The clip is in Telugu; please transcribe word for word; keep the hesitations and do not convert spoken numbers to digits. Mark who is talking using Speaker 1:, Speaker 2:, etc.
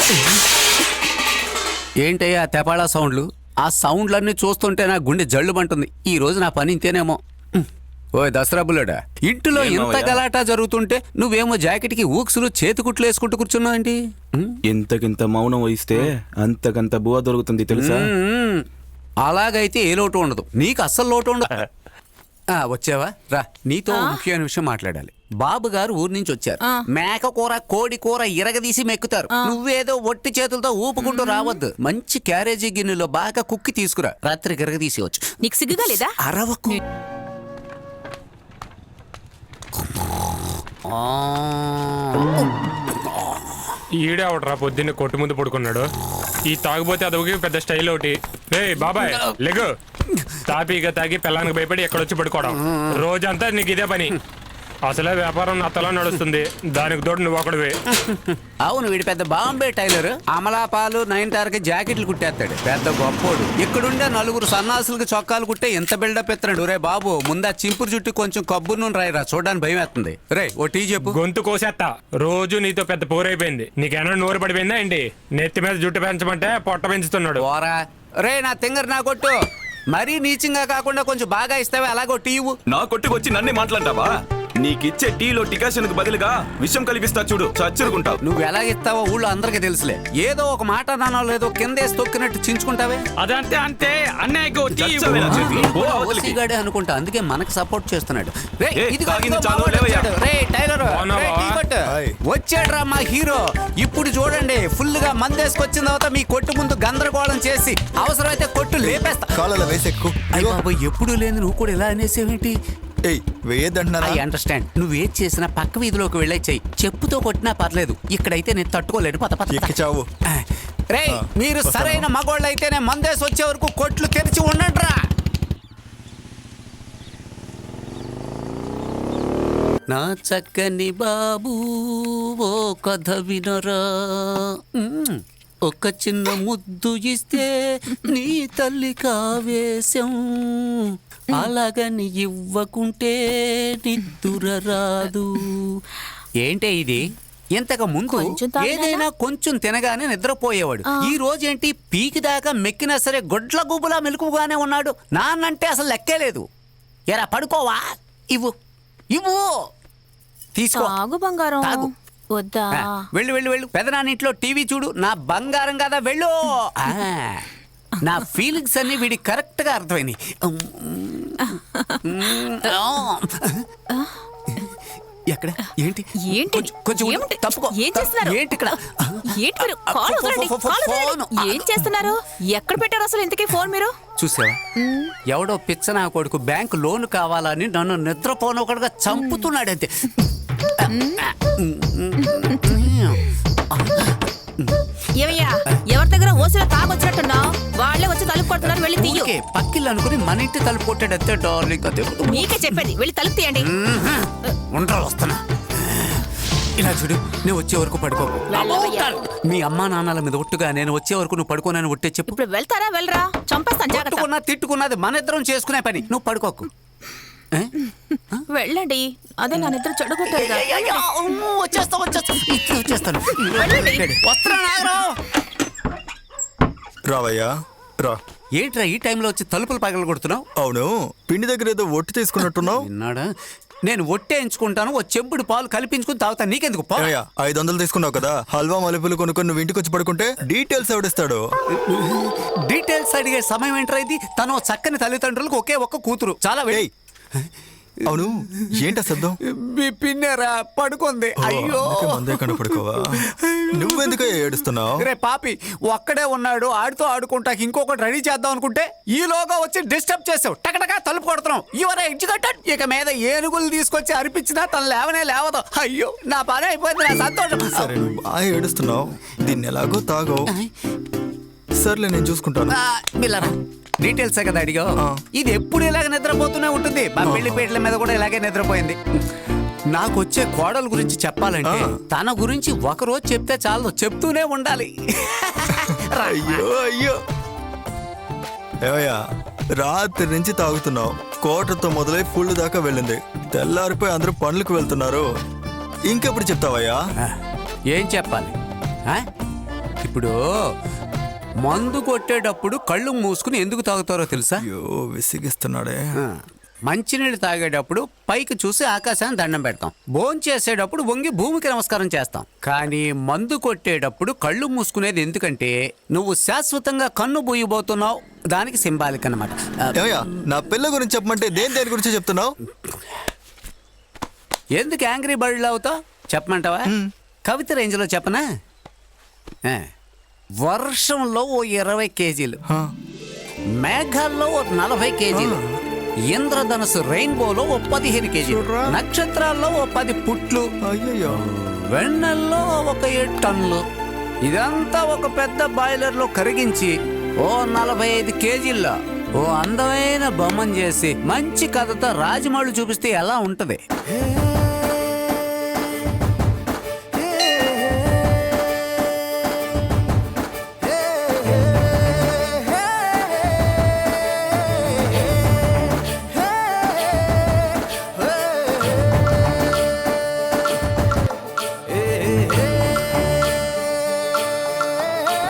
Speaker 1: ఏంటయ్యా తెపాళా సౌండ్లు? ఆ సౌండ్లన్నీ చూస్తుంటే నా గుండె జల్లుమంటుంది. ఈ రోజు నా పని ఇంతేనేమో. ఓ దసరా బుల్లడా, ఇంటిలో ఇంత గలాటా జరుగుతుంటే నువ్వేమో జాకెట్కి ఊక్సులు చేతికుట్లు వేసుకుంటూ కూర్చున్నావంటి?
Speaker 2: ఇంతకింత మౌనం వహిస్తే అంతకంత బువ దొరుకుతుంది తెలుసా?
Speaker 1: అలాగైతే ఏ లోటు ఉండదు, నీకు అస్సలు లోటు ఉండదు. వచ్చావా? రా, నీతో ముఖ్యమైన విషయం మాట్లాడాలి. బాబు గారు ఊరి నుంచి వచ్చారు. మేక కూర కోడి కూర ఇరగదీసి మెక్కుతారు. నువ్వేదో ఒట్టి చేతులతో ఊపుకుంటూ రావద్దు. మంచి క్యారేజీ గిన్నెలో బాగా కుక్కి తీసుకురా, రాత్రికి ఇరగదీసి వచ్చు.
Speaker 3: నీకు సిగ్గుగా లేదా?
Speaker 1: అరవకు.
Speaker 4: ఈడేవడరా పొద్దున్నే కొట్టు ముందు పడుకున్నాడు. ఈ తాగిపోతే అదొక పెద్ద స్టైల్ ఒకటి. రే బాబాయ్ లెగు. తాపీగా తాగి పిల్లానికి భయపడి ఎక్కడొచ్చి పడుకోవడం రోజంతా నీకు ఇదే పని. అసలే వ్యాపారం నత్తలా నడుస్తుంది, దానికి తోడు నువ్వు ఒకడివే.
Speaker 1: అవును, వీడి పెద్ద బాంబే టైలర్. అమలాపాలు నైన్టార్కి జాకెట్లు కుట్టేస్తాడు, పెద్ద గొప్పోడు. ఇక్కడుండే నలుగురు సన్నాసులకు చొక్కాలు కుట్టే ఎంత బిల్డప్ ఎత్తున్నాడు. రే బాబు, ముందా చింపురు చుట్టూ కొంచెం కబ్బు నూనె రాయిరా, చూడడానికి భయం వేస్తుంది. రే ఓ టీ చెప్పు.
Speaker 4: గొంతు కోసేస్తా. రోజు నీతో పెద్ద పోరైపోయింది. నీకేమన్నా నోరు పడిపోయిందా ఏంటి? నెత్తి మీద జుట్టు పెంచమంటే పొట్ట పెంచుతున్నాడు.
Speaker 1: ఓరా రే, నా తింగర్ నా కొట్టు మరీ నీచంగా కాకుండా కొంచెం బాగా ఇస్తావే, అలాగో టీ ఇవ్వు.
Speaker 2: నా కొట్టుకొచ్చి నన్నే మాట్లాడతావా? నీకిచ్చే టీలో టికాషన్ బదులుగా విషం కలిపిస్తా చూడు, చచ్చురుకుంటావు.
Speaker 1: నువ్వు ఎలా ఇస్తావో ఊళ్ళో అందరికీ తెలుసులే. ఏదో ఒక మాట నానో లేదో కిందేసి తొక్కినట్టు చించుకుంటావే.
Speaker 4: అదంతే అంతే
Speaker 1: ఓసీగాడే అనుకుంటా, అందుకే మనకు సపోర్ట్ చేస్తున్నాడు. వచ్చాడ్రా మా హీరో. ఇప్పుడు చూడండి, ఫుల్ గా మందేసుకొచ్చిన తర్వాత మీ కొట్టు ముందు గందరగోళం చేసి అవసరమైతే కొట్టు లేపేస్తా. ఎప్పుడు లేని నువ్వు కూడా ఇలా అనేసేవేంటి? I understand. నువ్వు ఏది చేసినా పక్క వీధిలోకి వెళ్ళే చెయ్యి. చెప్పుతో కొట్టినా పర్లేదు, ఇక్కడైతే నేను తట్టుకోలేను. పద పద చావు. రే, మీరు సరైన మగోళ్ళు అయితేనే మందేసి వచ్చే వరకు కొట్లు తెరిచి ఉండండిరా. నా చక్కని బాబు ఓ కథ వినరా, ఒక చిన్న ముద్దు ఇస్తే నీ తల్లి కావేశం, అలాగని ఇవ్వకుంటే నిద్దుర రాదు. ఏంటే ఇది? ఇంతకు ముందు ఏదైనా కొంచెం తినగానే నిద్రపోయేవాడు. ఈ రోజేంటి పీకి దాకా మెక్కినా సరే గొడ్ల గుబులా మెలకుగానే ఉన్నాడు. నాన్నంటే అసలు లెక్కే లేదు. ఎరా పడుకోవా? ఇవ్వు ఇవ్వు, తీసుకో.
Speaker 3: బంగారం వద్దా?
Speaker 1: వెళ్ళు వెళ్ళు వెళ్ళు. పెదనాన్నింట్లో టీవీ చూడు. నా బంగారం కదా, వెళ్ళు. నా ఫీలింగ్స్ అన్ని వీడికి కరెక్ట్ గా అర్థమైనాయి. ఎక్కడ ఏంటి
Speaker 3: ఏంటి
Speaker 1: కొంచెం తప్పుకో.
Speaker 3: ఏం చేస్తున్నారు?
Speaker 1: ఏంటి ఇక్కడ?
Speaker 3: ఏం చేస్తున్నారు? ఎక్కడ పెట్టారు అసలు ఇంతకీ ఫోన్ మీరు?
Speaker 1: చూసావా, ఎవడో పిచ్చ నా కొడుకు బ్యాంకు లోన్ కావాలని నన్ను నిద్రపోనొకడుగా చంపుతున్నాడంతే.
Speaker 3: ఏమయ్యా, ఎవరి దగ్గర ఓసిలో తాగొచ్చినట్టున్నావు? వాళ్ళే వచ్చి తలుపు కొడుతున్నారు, వెళ్ళి తీయు.
Speaker 1: పక్కిల్లు అనుకుని మన ఇంటి తలుపు కొట్టాడంతే డార్లింగ్. అదే
Speaker 3: మీకే చెప్పేది, వెళ్ళి తలుపు తీయండి.
Speaker 1: ఉండరా, వస్తున్నా. ఇలా చూడు, నేను వచ్చే వరకు పడుకోకు. మీ అమ్మా నాన్నల మీద ఒట్టుగా నేను వచ్చే వరకు నువ్వు పడుకోనని ఒట్టే చెప్పు.
Speaker 3: ఇప్పుడు వెళ్తారా? వెళ్ళరా, చంపేస్తాను.
Speaker 1: జాగ్రత్త. తిట్టుకున్నది మన ఇద్దరం చేసుకునే పని, నువ్వు పడుకోకు.
Speaker 3: వెళ్ళండి, అదే నా నిద్ర చెడగొట్టారు.
Speaker 1: వచ్చేస్తా వచ్చేస్తా వచ్చేస్తాను.
Speaker 5: రావయ్యా రా.
Speaker 1: ఏంట్రా ఈ టైంలో వచ్చి తలుపులు పగలు కొడుతున్నావు?
Speaker 5: అవును, పిండి దగ్గర ఏదో ఒట్టి తీసుకున్నట్టున్నావు.
Speaker 1: విన్నాడా? నేను ఒట్టేయించుకుంటాను, ఓ చెంపుడు పాలు కల్పించుకుని తాగుతాను. నీకెందుకు?
Speaker 5: ఐదు వందలు తీసుకున్నావు కదా, హల్వా మలుపులు కొనుక్కొని నువ్వు ఇంటికి వచ్చి పడుకుంటే డీటెయిల్స్ ఎవడిస్తాడు?
Speaker 1: డీటెయిల్స్ అడిగే సమయం ఏంట్రా ఇది? తను చక్కని తల్లిదండ్రులకు ఒకే ఒక్క కూతురు. చాలా వేయి.
Speaker 5: అవును, ఏంట శబ్దం?
Speaker 1: మీ పిన్నెరా పడుకుంది. అయ్యో,
Speaker 5: పడుకోవా? నువ్వెందుకు ఏడుస్తున్నావు?
Speaker 1: రే పాపి, ఒక్కడే ఉన్నాడు, ఆడుతూ ఆడుకుంటాకి ఇంకొకటి రెడీ చేద్దాం అనుకుంటే ఈలోగా వచ్చి డిస్టర్బ్ చేసావు. టకటకా తలుపు కొడుతున్నావు. Your educated. ఇక మీద ఏనుగులు తీసుకొచ్చి అర్పించినా తను లేవనే లేవదు. అయ్యో, నా పని అయిపోయింది, నా సంతోషం.
Speaker 5: సరే, నువ్వు బాగా ఏడుస్తున్నావు, దీన్ని ఎలాగో తాగో. సర్లే, నేను చూసుకుంటాను.
Speaker 1: డీటెయిల్స్ కదా అడిగావు. ఇది ఎప్పుడు ఇలాగ నిద్రపోతూనే ఉంటుంది. మా పెళ్లి పీటల మీద కూడా ఇలాగే నిద్రపోయింది. నాకు వచ్చే కోడల గురించి చెప్పాలంటే తన గురించి ఒక రోజు చెప్తే చాలు, చెప్తూనే ఉండాలి.
Speaker 5: అయ్యో అయ్యో, ఏమయ్యా, రాత్రి నుంచి తాగుతున్నావు. కోటతో మొదలై ఫుల్ దాకా వెళ్ళింది. తెల్లారిపోయి అందరూ పనులకు వెళ్తున్నారు. ఇంకెప్పుడు చెప్తావయ్యా?
Speaker 1: ఏం చెప్పాలి? ఇప్పుడు మందు కొట్టేటప్పుడు కళ్ళు మూసుకుని ఎందుకు తాగుతారో తెలుసా?
Speaker 5: అయ్యో విసిగిస్తున్నాడే.
Speaker 1: ఆ, మంచినీళ్ళు తాగేటప్పుడు పైకి చూసి ఆకాశాన్ని దండం పెడతాం. భోంచేసేటప్పుడు వంగి భూమికి నమస్కారం చేస్తాం. కానీ మందు కొట్టేటప్పుడు కళ్ళు మూసుకునేది ఎందుకంటే నువ్వు శాశ్వతంగా కన్ను బూయబోతున్నావు. దానికి సింబాలిక్ అన్నమాట. ఆ,
Speaker 5: ఏమయ్యా నా పిల్ల గురించి చెప్పమంటే దేని దేని గురించి చెప్తున్నావు?
Speaker 1: ఎందుకు యాంగ్రీ బర్డ్లు అవుతావు చెప్పమంటావా? కవిత రేంజ్లో చెప్పనా? ఆ, వర్షంలో ఓ ఇరవై కేజీలు, మేఘాల్లో ఓ నలభై కేజీలు, ఇంద్రధనుసు రెయిన్బోలో ఓ పదిహేను కేజీలు, నక్షత్రాల్లో ఓ పది పుట్లు,
Speaker 5: అయ్యయ్యో
Speaker 1: వెన్నెల్లో ఒక ఏడు టన్నులు. ఇదంతా ఒక పెద్ద బాయిలర్లో కరిగించి ఓ నలభై ఐదు కేజీల్లో ఓ అందమైన బొమ్మను చేసి మంచి కథతో రాజమౌళి చూపిస్తే ఎలా ఉంటది?